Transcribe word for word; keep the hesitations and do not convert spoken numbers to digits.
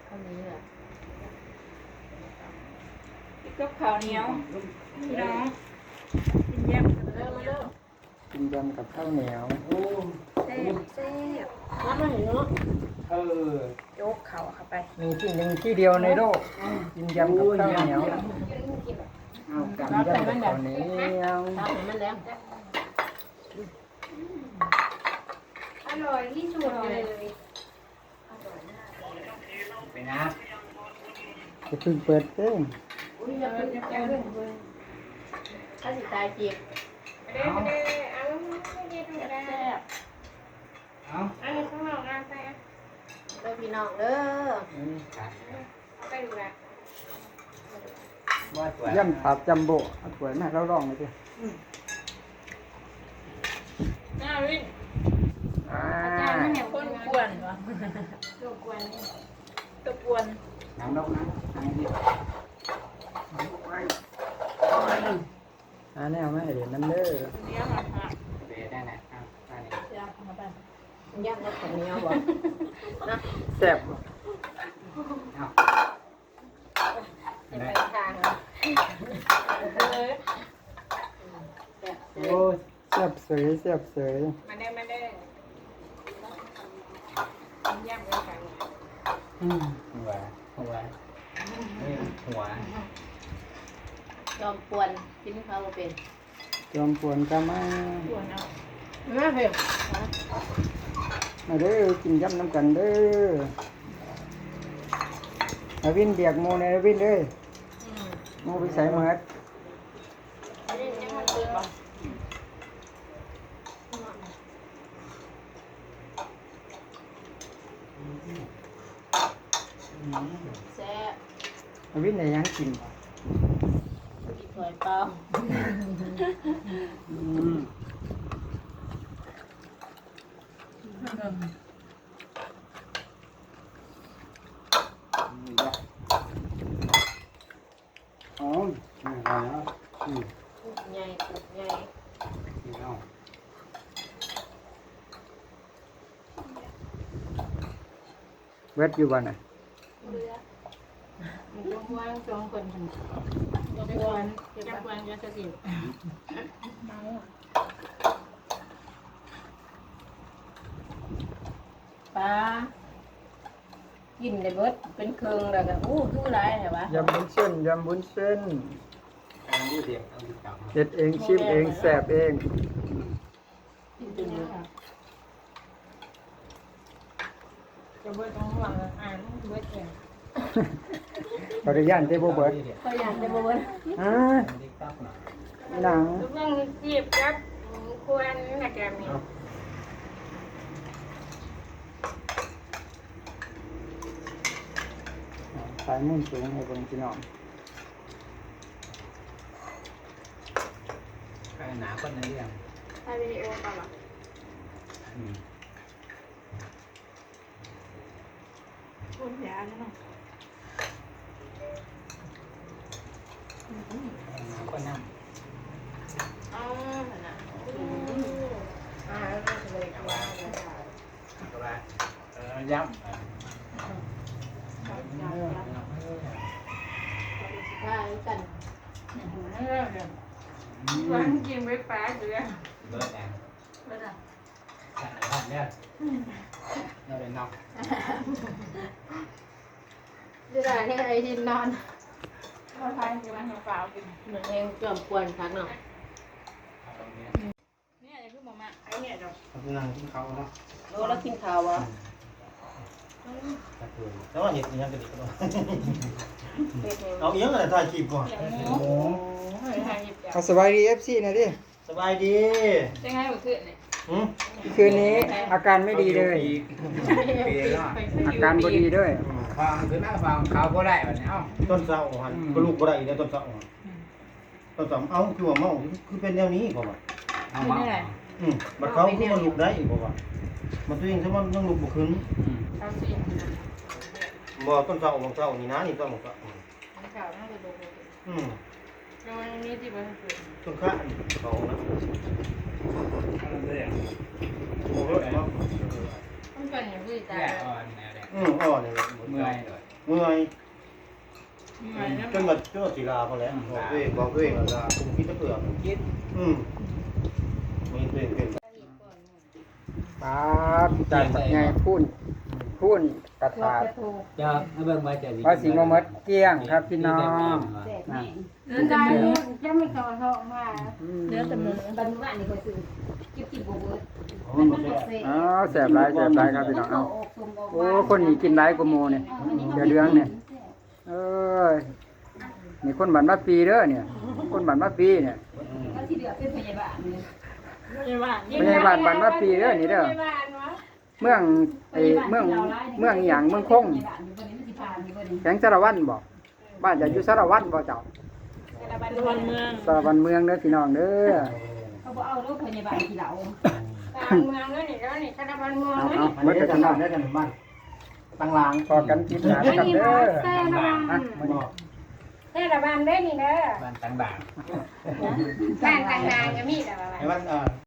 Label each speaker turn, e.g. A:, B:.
A: อันนี้เหรอ
B: กับข้าวเหนียวพี่น้องกินแยมกัน
A: เริ่มมาเริ่ม
C: กินยำกับข้าวเหนียวโอ้
B: แซ่บแซ่บ
A: น้ำมันเนาะ
C: เออ
B: โยกเข่าเข้าไป
C: มีที่หนึ่งที่เดียวในโลกกินยำกับข้าวเหนียวเอากับยำกับข้าวเหนียว
A: ตามให้มันแล้ว
B: อร่อยที่สุดเลย
C: ไปนะจะเพิ่งเปิดเต้น
A: อุ้ยอย่าเพิ่งอย่าเพิ่งถ้าสิตายจีบ
B: เด้อเด้อเอาไม่ได้ดูได้
A: แซ่บ
C: เอา
B: อันนี้ข้างนอกงานไปอ่ะ
A: เด้อพี่น้องเด้อ
B: เอาไปดูแล
C: ย่ำผัดจัมโบ้เอาถ้วยมาเราลองเลยสิ
B: น่าวิน
C: อ่า
B: อาจารย์ไม่เห็นคนกวนวะ
A: รบกวนนี่
B: ตะกวน
C: น้ำดอกนะอันนี้อันนี้เอามาให้เดี๋ยวน้ำเด้อ
B: เนี้ยมาค่ะ
C: เบได้นะอ่ะอันนี้
B: ยากมาไป
A: ย่างแล้วข้าวเหนียวบ่นะ
C: แซ่บเอา
A: จะไปทางอ่ะ
B: เลย
A: แซ่บ
C: โอ้แซ่บเสยแซ่บเสย
B: มาได้มาได้กินย่างกันกัน
C: อืมหัวหัวนี่หัวย
A: อมปวนกินข้าวบ่เป็น
C: จอมปวนก็มา
B: กวนเอา
A: มาเพิ่ม
C: มาเด้อกินยำน้ำกันเด้ออาวินเบียกโมในอาวินเด้อ
A: อืม
C: โมไปใส่หมด
A: อันนี้ยังมันตื่นบ่ แซ่บ
C: อาวินได้หยังกิน
A: กินถ้วยเปล่า
C: อืมอ๋อไม่ไหวแล้วอืม
A: ใหญ่ตุกใหญ่
C: นี่เอาเวทอยู่บ้านไหน
A: มันต้องว่างจองคนทำจะกวนจะกวนจะสติเมา ปลากินได้เบิดเป็นเครื่องแล้วก็อู้คือหลายแท้วะ
C: ยำบุญเส้นยำบุญเส้น
D: อันนี้เดียวเอาดีกว่า
C: เด็ดเองชิมเองแสบเอง
A: กินจนเยอะ
B: จะเบิดต้องหวังอ่านเบิดเอง
C: ขออนุญาตเทโบเบิร์ด
A: ก็อยากจะบ่เบิด
C: อ่า
D: ติ๊กต๊อกหน่อย
C: หนัง
B: ลูกยังจีบครับควรนะแกมี
C: สายมุ่นสูงให้คนพี่น้อง
D: ใครหนาคนนั้นเรื่อง
B: ถ่ายวิดีโอก่อนหรอ
D: อืม
B: พูดยาแล้วเนาะ
D: หนาคนนั่ง
A: อ๋อน่ะ
B: อ่าแล้วก็เลยกว่า
D: ก็ว่าเออย้ำ
A: ถ้ากัน
B: วันกินไว้ป้าเดือ
D: เบิร์ดแอน
A: เบิดอ่ะ
D: สั่งอะไรเนี่ยเราเลยนอก
A: จะได้ให้ไอ้ที่นอน
B: เราทานกินมันเปล่ากิน
A: เหมือนเองจอมกวนคักเนาะ
D: ตรงนี้
B: เนี่ยจะคือหมอมาไอ้เนี่ยดอก
D: นั่งที่เขาเนาะ
A: โลแล้วกินข้าววะ
E: แล้วว่าเห็ดอีหยังกันอีกบ่
A: เป็ดเอง
E: เอาอีหยังอะไรถ่ายคลิปก่อน
B: เสียงหมู
C: โอ้
B: เฮ้ยทานหยิบจับ
C: เอาสบายดีเอฟซีนะดิ
E: สบายดี
B: จะไงเมื่อคืนเนี่ย
E: หืม
C: คืนนี้อาการไม่ดีเลย
D: ปีเนาะ
C: อาการบ่ดีด้วย
D: ฟังคือหน้าฟังเขาก็ได้แบบนี้เอ้า
E: ต้นเสาหันก็ลูกบ่ได้อีกแล้วต้นเสาหันต้นเสาเอ้าคือว่าเมาคือเป็นแนวนี้บ่ว่า
D: เอามา
E: อืมบัดเขาคือมันลุกได้อีกบ่ว่ามันตัวเองซะมันยังลุกบ่ขึ้น
B: เอาสิ
E: บ่ต้นเสาของเสานี่นะนี่ต้นของเสา
B: มันข่าวน่าจะดู
E: อืม
B: แล้วมันมีที่มันเกิด
E: ต้นข้าอันเขานะ
D: เอาเลย
E: โอ้โหเนาะ
B: ต้องเป็นอย่างที่ตา
D: แก่อ่อนแนวแดง
E: อืมอ่อนนี่
D: เมื่อยเลย
E: เมื่อย
B: เหนื่อยนะ
E: จนหมดจนหมดศิลาพอแล้วบอกตัวเองบอกตัวเองว่าคุณคิดจะเปลือกคิดอืมมีตัวเองเป็น
C: ปาดจานบักใหญ่พูนพูนกระ
A: ตัว
C: ถาด
A: กระทู
D: จะให้เบิ่งไว้จะ
C: ว่าสิบ่หมดเกลี้ยงครับพี่น้อง
A: แซ่บแม่
B: เดินได้
A: จะไม่ต่อท้องมา
B: เนื้อแต่หมู
A: บันว่านนี่ก็ซื้อกิบกิบบ่เบิด
E: อ๋อ
A: มัน
E: หม
A: มั
E: ด
A: น
E: แล้
A: บ่
E: ว
A: เซ่
C: อ๋อแซ่บหลายแซ่บหลายครับพี่น้องเอาโอ้คนนี้กินหลายกว่าหมู่เนี่ยเดี๋ยวเดืองเนี่ยเอ้ยนี่คนบ้านมาปีเด้อเนี่ย คนบ้านมาปีเนี่ย
A: ก็สิเหลือเป็นพยาบาลนี่
B: ไม่ว่า
C: พยาบาลบ้านมาปีเด้อนี่เด้อเมืองไอ้เมืองเมืองอีหยังเมืองคงแข็งสารวัตรบ่บ้านจะอยู่สารวัตรบ่เจ้า
B: ระวังเมือง
C: สารวัตรเมืองเด้อพี่น้องเด้อ
A: เขาบอกเอารถพยาบาลที่เรา
B: การเมืองแล้วนี่แล้วนี่คณะบ้านเมือง
C: เอา
B: แล้ว
C: เอา
E: อัน
C: เมื่อ
E: นี้
C: กี้
E: จะ
C: พี่น้อง
E: ทำได้กันบ้านตั้งราง
C: พอกันกินหากันเด้อ
B: แซ่ระวัง
C: อ่ะมื้อนี้
B: แซ่ระวังได้นี่เด้อ
D: บ้านต่างด่าง
B: บ้านต่างๆก็มีแต่ว่า
E: ไอ้บ้านอ่า